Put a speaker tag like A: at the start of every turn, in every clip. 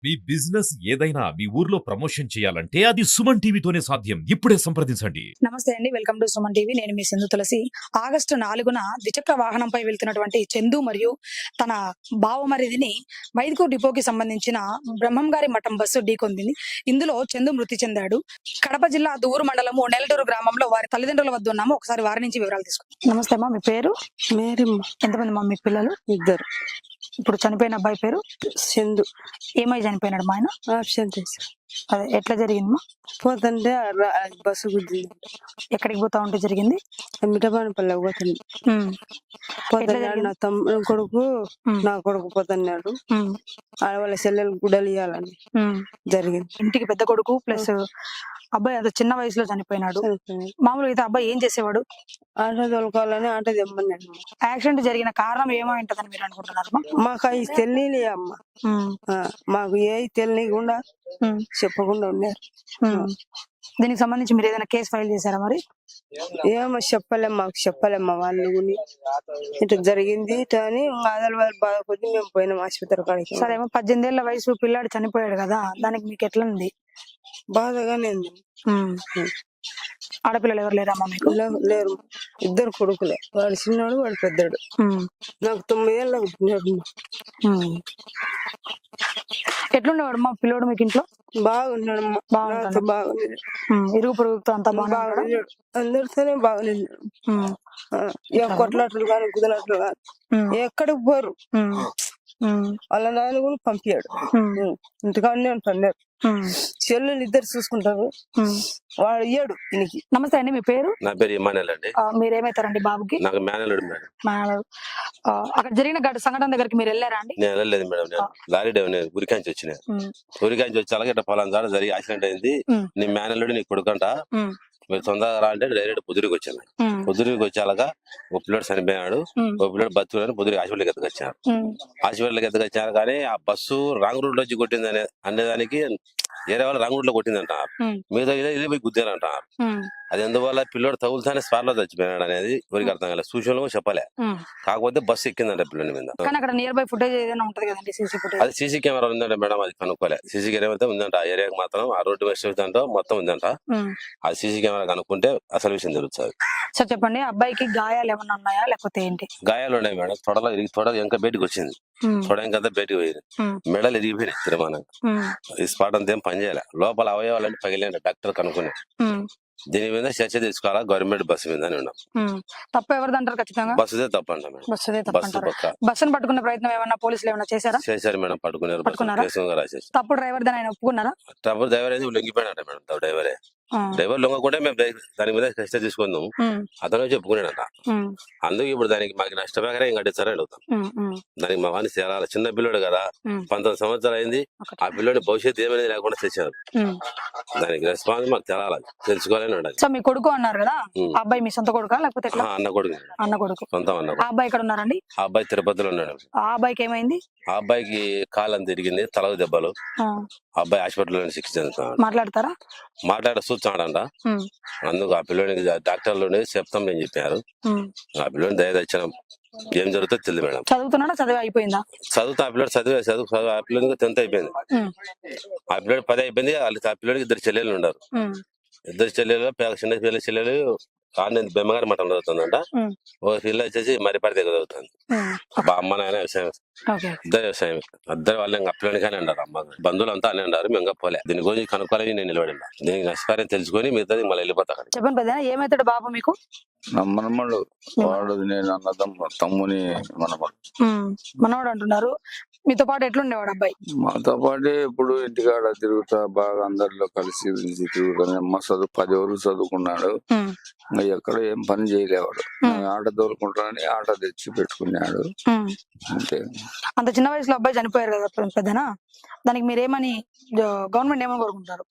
A: మీ business ఏదైనా మీ ఊర్లో promotion చేయాలంటే అది సుమన్ టీవీతోనే సాధ్యం. ఇప్పుడే సంప్రదించండి.
B: నమస్తే అండి, వెల్కమ్ టు సుమన్ టీవీ. నేను మీ సింధు తులసి. ఆగస్టు 4న ద్విచక్ర వాహనంపై వెళ్తున్నటువంటి చందు మరియు తన బావమరిదిని మైదుకూరు డిపోకి సంబంధించిన బ్రహ్మంగారి మఠం బస్సు ఢీకొందింది. ఇందులో చందు మృతి చెందాడు. కడప జిల్లా దూరు మండలము నెల్లూరు గ్రామంలో వారి తల్లిదండ్రుల వద్ద ఉన్నాము. ఒకసారి వారి నుంచి వివరాలు తీసుకుంటాం. నమస్తే అమ్మా, మీ పేరు?
C: మేరమ్మ.
B: ఎంతమంది మా మీ పిల్లలు?
C: ఇద్దరు.
B: ఇప్పుడు చనిపోయిన అబ్బాయి పేరు
C: చందు.
B: ఏమై చనిపోయినాడు మా ఆయన?
C: ఆప్షన్ చేసి
B: అదే ఎట్లా జరిగిందమ్మా?
C: పోతుంటే బస్సు గుద్దింది.
B: ఎక్కడికి పోతా ఉంటే జరిగింది?
C: మిఠబానపల్లికి పోతుంది. పోతున్నాడు నా తమ్ముడు కొడుకు, నా కొడుకు పోతున్నాడు. వాళ్ళ చెల్లెలు గుడ్డలు ఇవ్వాలని జరిగింది.
B: ఇంటికి పెద్ద కొడుకు ప్లస్ అబ్బాయి అంత చిన్న వయసులో చనిపోయినాడు. మామూలుగా అయితే అబ్బాయి ఏం చేసేవాడు?
C: ఆటో తోలుకోవాలని ఆటో తెమ్మన్నాడు.
B: యాక్సిడెంట్ జరిగిన కారణం ఏమై ఉంటదని మీరు అనుకుంటున్నారు?
C: మాకు అవి తెలియలే అమ్మ, మాకు ఏ తెలియకుండా చెప్పకుండా ఉన్నారు.
B: దీనికి సంబంధించి మీరు ఏదైనా కేసు ఫైల్ చేశారా మరి?
C: ఏమో చెప్పలేం, మాకు చెప్పలేమ్మా. వాళ్ళు ఇట్లా జరిగింది అని ఆదల వాళ్ళు బాధ కొద్ది మేము పోయినాం ఆసుపత్రి కాడికి.
B: సరేమో 18 ఏళ్ల వయసు పిల్లాడు చనిపోయాడు కదా, దానికి మీకు ఎట్లా ఉంది?
C: బాధగానే ఉంది.
B: ఆడపిల్లలు ఎవరు లేరమ్మా మీకు?
C: లేరు, ఇద్దరు కొడుకులే. వాడు చిన్నాడు, వాడు పెద్దడు. నాకు 9 ఏళ్ళ పుట్టినాడు.
B: ఎట్లుండేవాడు మా పిల్లోడు మీకు ఇంట్లో?
C: బాగున్నాడు, బాగున్నాడు.
B: ఇరుగు పొరుగుతో అంతా బాగున్నాడు,
C: అందరితోనే బాగున్నాడు. కొట్లాటలు కానీ కుదలాటలు కానీ ఎక్కడికి పోరు. వాళ్ళ నాన్న కూడా పంపించాడు, ఇంటికాడనే ఉంటున్నారు. చెల్లెలు ఇద్దరు చూసుకుంటారు, వాడు ఇయ్యాడు దీనికి.
B: నమస్తే అండి, మీ పేరు?
D: నా పేరు ఇమానుయల్ అండి.
B: మీరేమైతారండి బాబుకి?
D: నాకు మేనల్లుడు మేడం.
B: అక్కడ జరిగిన సంఘటన దగ్గరికి మీరు వెళ్ళారా అండి?
D: నేను వెళ్ళలేదు మేడం, నేను లారీ డ్రైవర్ ఊరికాంచి వచ్చిన. ఊరికాంచి వచ్చి అలాగే ఇట్లా పొలం ద్వారా జరిగి యాక్సిడెంట్ అయింది. నీ మేనల్లుడు నీ కొడుకంట, మీరు తొందరగా రా అంటే డైరెక్ట్ పొద్దురికి వచ్చాను. పొద్దురికి వచ్చేలాగా ఓ పిల్లడు చనిపోయాడు, ఓ పిల్లడు బతుకుని పొద్దురికి హాస్పిటల్కి ఎత్తుకొచ్చారు. హాస్పిటల్కి ఎత్తుకొచ్చారు కానీ ఆ బస్సు రాంగ్ రూట్ లో వచ్చి కొట్టింది అనేదానికి వేరే వాళ్ళు రాంగ్ రూట్ లో కొట్టిందంటారు, మిగతా ఇదే పోయి గుద్దారంటారు. అది ఎందువల్ల పిల్లడు తగులుతానే స్పాట్ లో చచ్చిపోయాడు అనేది ఎవరికి అర్థం కాలేదు. సూచనలు చెప్పలే, కాకపోతే బస్సు ఎక్కిందంట పిల్లడి మీద. అది సీసీ కెమెరా ఉందంట మేడం, అది కనుక్కోలే. సీసీ కెమెరా అయితే ఉందంట ఆ ఏరియాకి మాత్రం, ఆ రోడ్డు మీద మొత్తం ఉందంట. ఆ సీసీ కెమెరా కనుక్కుంటే అసలు విషయం తెలుస్తుంది.
B: సార్ చెప్పండి, అబ్బాయికి గాయాలు ఏమన్నా ఉన్నాయా లేకపోతే ఏంటి?
D: గాయాలు ఉన్నాయి మేడం, తొడ ఇంకా బయటకు వచ్చింది, తొడ ఇంకంతా బయటకు పోయింది, మెడలు ఇరిగిపోయినాయి తిరుమానంగా. ఈ స్పాట్ అంతా ఏం పనిచేయాలి, లోపల అవయవాలని పగిలిన డాక్టర్ కనుక్కుని దీని మీద చర్చ తీసుకోవాలా గవర్నమెంట్ బస్సు మీద ఉన్నాం.
B: తప్పు ఎవరిది అంటారు? ఖచ్చితంగా
D: బస్సుదే తప్పు అంట మేడం.
B: బస్సును పట్టుకునే ప్రయత్నం ఏమన్నా పోలీసులు ఏమన్నా చేశారా?
D: చేశారు మేడం, పట్టుకున్నారు.
B: తప్పు డ్రైవర్ దాని ఆయన ఒప్పుకున్నారా?
D: తప్పు డ్రైవర్ అయితే లొంగిపోయినట్ట మేడం. డ్రైవరే డ్రైవర్ లొంగకుంటే మేము దాని మీద చర్చ తీసుకుందాం, అతను చెప్పుకున్నాడంట. అందుకు ఇప్పుడు దానికి మాకు నష్టపరిహారం ఏం కట్టిస్తారని అడుగుతాం. దానికి మా వాడిని చేరాలి, చిన్న పిల్లడు కదా, 19 సంవత్సరాలు అయింది. ఆ పిల్లడి భవిష్యత్తు ఏమైనా లేకుండా తెచ్చారు, దానికి రెస్పాన్స్ మాకు తెలాలి, తెలుసుకోవాలని ఉండాలి.
B: సో మీ కొడుకు అన్నారు కదా, అబ్బాయి మీ సొంత కొడుకా లేకపోతే
D: అన్న కొడుకు? అన్న కొడుకు, సొంతం అన్న.
B: ఆ అబ్బాయి ఇక్కడ ఉన్నారండి?
D: ఆ అబ్బాయి తిరుపతిలో ఉన్నాడు.
B: ఆ అబ్బాయికి ఏమైంది?
D: ఆ అబ్బాయికి కాలం తిరిగింది, తలకు దెబ్బలు. అబ్బాయి హాస్పిటల్లో చికిత్స చెందుతున్నాడు.
B: మాట్లాడతారా?
D: చూస్తాడంట. అందుకు ఆ పిల్లోనికి డాక్టర్లు చెప్తాం అని చెప్పారు. ఆ పిల్లోని దయ తెచ్చినాం, ఏం జరుగుతుందో తెలియదు మేడం.
B: చదువుతున్నాడా? చదివి అయిపోయిందా?
D: చదువుతా ఆ పిల్లడు చదువు ఆ పిల్లడికి 10th అయిపోయింది, ఆ పిల్లడు 10 అయిపోయింది. ఆ పిల్లడికి 2 చెల్లెలు ఉన్నారు. 2 చెల్లెలు, చిన్న పిల్లల చెల్లెలు బెమ్మగారి మఠం చదువుతుందంట. ఓ పిల్ల వచ్చేసి మరిపాటి దగ్గర చదువుతుంది. అమ్మ నాయన వ్యవసాయం, ఇద్దరు వ్యవసాయం. ఇద్దరు వాళ్ళు ఇంకా పిల్లడిగానే అన్నారు. అమ్మ బంధువులు అంతా అనే అన్నారు, మేము పోలే. దీని గురించి కనుక్కోవాలి, నేను నిలబడి దీనికి నష్టపరిహారం తెలుసుకొని మిగతాది మళ్ళీ వెళ్ళిపోతా.
B: చెప్పండి పెద్ద, ఏమవుతాడు బాబు మీకు?
E: మనమడు వాడు, నేను అన్నదమ్ము, తమ్ముని మనమడు.
B: మనవాడు అంటున్నారు. మీతో పాటు ఎట్లుండేవాడు అబ్బాయి?
E: మాతో పాటు ఇప్పుడు ఇంటికాడ తిరుగుతా, బాగా అందరిలో కలిసి తిరుగుతాను. అమ్మ 10 వరకు చదువుకున్నాడు, ఎక్కడ ఏం పని చేయలేవాడు. ఆట తోలుకుంటానని ఆట తెచ్చి పెట్టుకున్నాడు అంతే.
B: అంత చిన్న వయసులో అబ్బాయి చనిపోయారు కదా పెద్దనా, దానికి మీరేమని గవర్నమెంట్ ఏమని కోరుకుంటారు?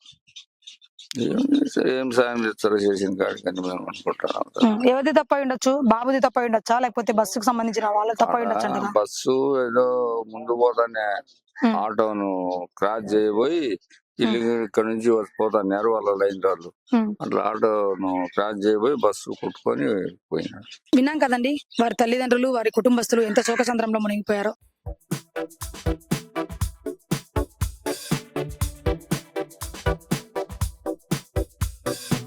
E: ఏం సాయం చేస్తారో చేసిన కాడికని మేము అనుకుంటున్నాం.
B: ఎవరిది తప్ప ఉండొచ్చు? బాబుది తప్ప ఉండొచ్చా లేకపోతే బస్సుకు సంబంధించిన వాళ్ళ తప్ప ఉండొచ్చు?
E: బస్సు ఏదో ముందు పోతానే ఆటోను క్రాస్ చేయబోయి ఇక్కడ నుంచి పోతాన్నారు వాళ్ళ లైన్ వాళ్ళు, అట్లా ఆటోను క్రాస్ చేయబోయి బస్సు కొట్టుకొని పోయినాడు.
B: విన్నాం కదండి, వారి తల్లిదండ్రులు వారి కుటుంబస్తులు ఎంత శోకసంద్రంలో మునిగిపోయారో. రైట్